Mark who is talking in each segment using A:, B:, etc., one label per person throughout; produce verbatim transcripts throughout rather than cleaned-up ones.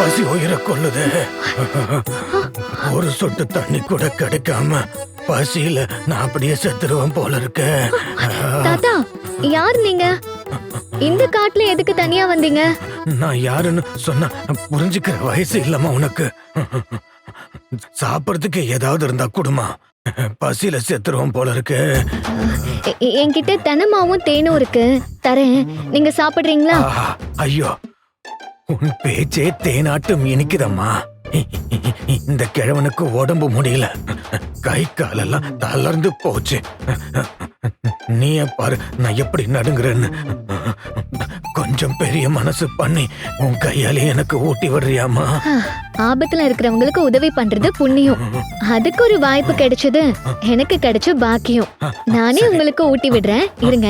A: பசி உயிரை கொள்ளுது. ஒரு சொட்டு தண்ணி கூட கிடைக்காம பசியில நான் அப்படியே செத்துருவேன் போல இருக்கு.
B: தாத்தா, யார் நீங்க? இந்த காட்டுல எதுக்கு தனியா வந்தீங்க?
A: நான் யாருன்னு சொன்னா புரிஞ்சுக்கிற வயசு இல்லம்மா உனக்கு. சாப்பிடறதுக்கு ஏதாவது இருந்தா குடுமா, பசியில செத்துருவோம் போல இருக்கு.
B: என்கிட்ட தெனமாவும் தேனும் இருக்கு, தரேன். நீங்க சாப்பிடுறீங்களா?
A: ஐயோ, உன் பேச்சே தேனாட்டும் இனிக்குதம்மா. இந்த கிழவனுக்கு உடம்பு முடியல, கை காலெல்லாம் தளர்ந்து போச்சு. நீ பாரு நான் எப்படி நடுங்குறேன்னு. கொஞ்சம் பெரிய மனசு பண்ணி உன் கையாலே எனக்கு ஊட்டி விடுறியாமா?
B: ஆபத்துல இருக்கிறவங்களுக்கு உதவி பண்றது புண்ணியம். அதுக்கு ஒரு வாய்ப்பு கிடைச்சது எனக்கு கிடைச்ச பாக்கியம். நானே உங்களுக்கு ஊட்டி விடுறேன், இருங்க.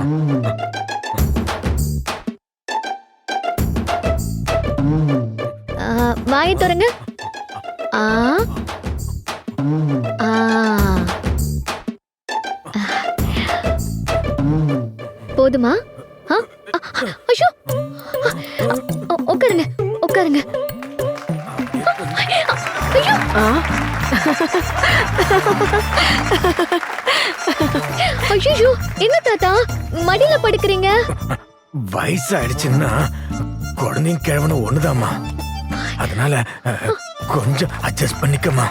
B: வாயை திறங்க. ஆ ஆ போதுமா? ஐயோ, உட்காருங்க உட்காருங்க. ஐயோ, என்ன தாத்தா மடியில படுக்கிறீங்க?
A: வயசாயிடுச்சுன்னா குழந்தையும் கிழவனும் ஒண்ணுதாம்மா, அதனால கொஞ்சம் அட்ஜஸ்ட் பண்ணிக்கமா.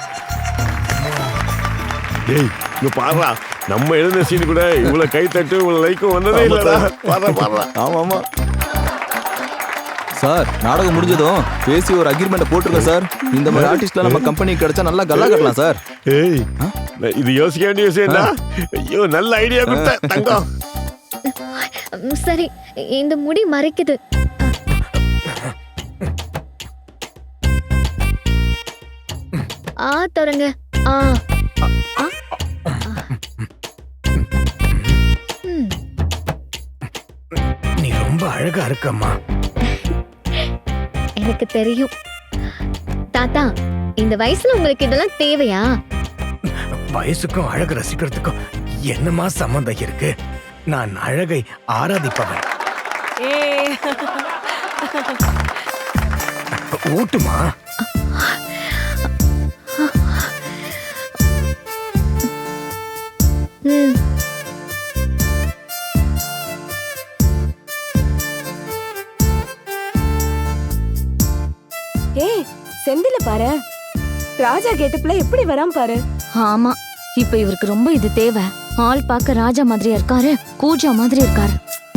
C: ஏய், இங்க பாருடா, நம்ம எழுந்த சீன் கூட இவ்வளவு கை தட்டு இவ்வளவு லைக்கும் வந்ததே இல்லடா. பாருடா பாருடா.
D: ஆமா ஆமா சார், நாடகம் முடிஞ்சதும் பேசி ஒரு அக்ரிமெண்ட் போட்டுருங்க சார். இந்த மாதிரி ஆர்டிஸ்ட்லாம் நம்ம கம்பெனிக்கு கிடைச்சா நல்லா கல்லா கட்டலாம் சார்.
C: ஏய், இது யோசிக்க வேண்டிய விஷயம் தான். ஐயோ, நல்ல ஐடியா கொடுத்த தங்கம்.
B: சரி, இந்த முடி மறைக்குது. ஆ தொடங்க. ஆ
A: நீ ரொம்ப அழகா இருக்கம்மா.
B: எனக்கு தெரியும் தாத்தா, இந்த வயசுல உங்களுக்கு இதெல்லாம் தேவையா?
A: வயசுக்கும் அழகு ரசிக்கிறதுக்கும் என்னமா சம்பந்தம் இருக்கு? நான் அழகை ஆராதிப்பவன். ஊட்டுமா.
E: ஏய், செந்தில பாரு, ராஜா கெட்டப்ல எப்படி வரான் பாரு.
F: ஆமா, இப்ப இவருக்கு ரொம்ப இது தேவை. ஆள் பார்க்க ராஜா மாதிரியா இருக்காரு, கூஜா மாதிரி இருக்காரு.